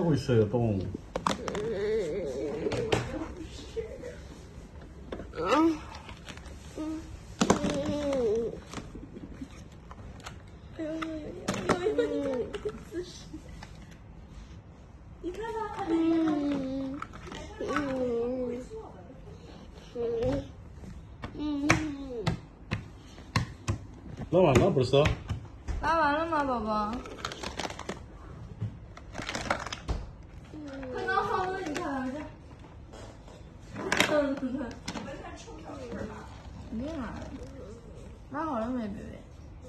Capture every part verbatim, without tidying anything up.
하고 있어요, 똥. 나왔나 벌써? 拉完了吗，宝宝？刚刚放了，你看来着。嗯，你看。肯定拉了。拉好了没，贝贝？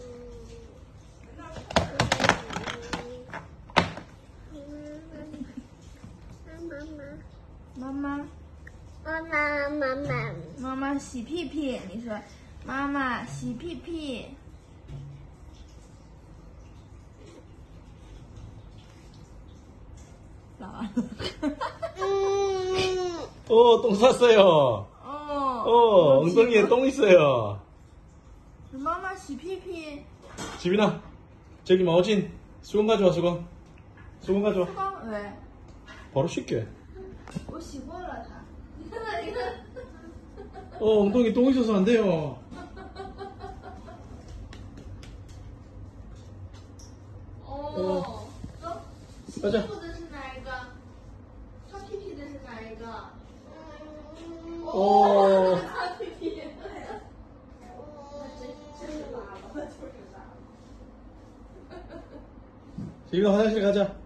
妈妈。妈妈，妈妈，妈妈洗屁屁，你说，妈妈洗屁屁。拉完了。 어, 똥 쌌어요. 어. 어, 엉덩이에 똥 있어요. 妈妈洗屁屁。 지빈아, 저기 마오진 수건 가져와, 수건. 수건 가져와. 수건 왜? 바로 씻게. 我洗过了它。你看看，你看。 어, 엉덩이 똥 있어서 안 돼요. 어. 洗 가자. 衣服的是哪一个？擦屁屁的是哪一个？ 어. 擦屁屁。那真真是拉了，就是拉了。 지빈아, 화장실 가자.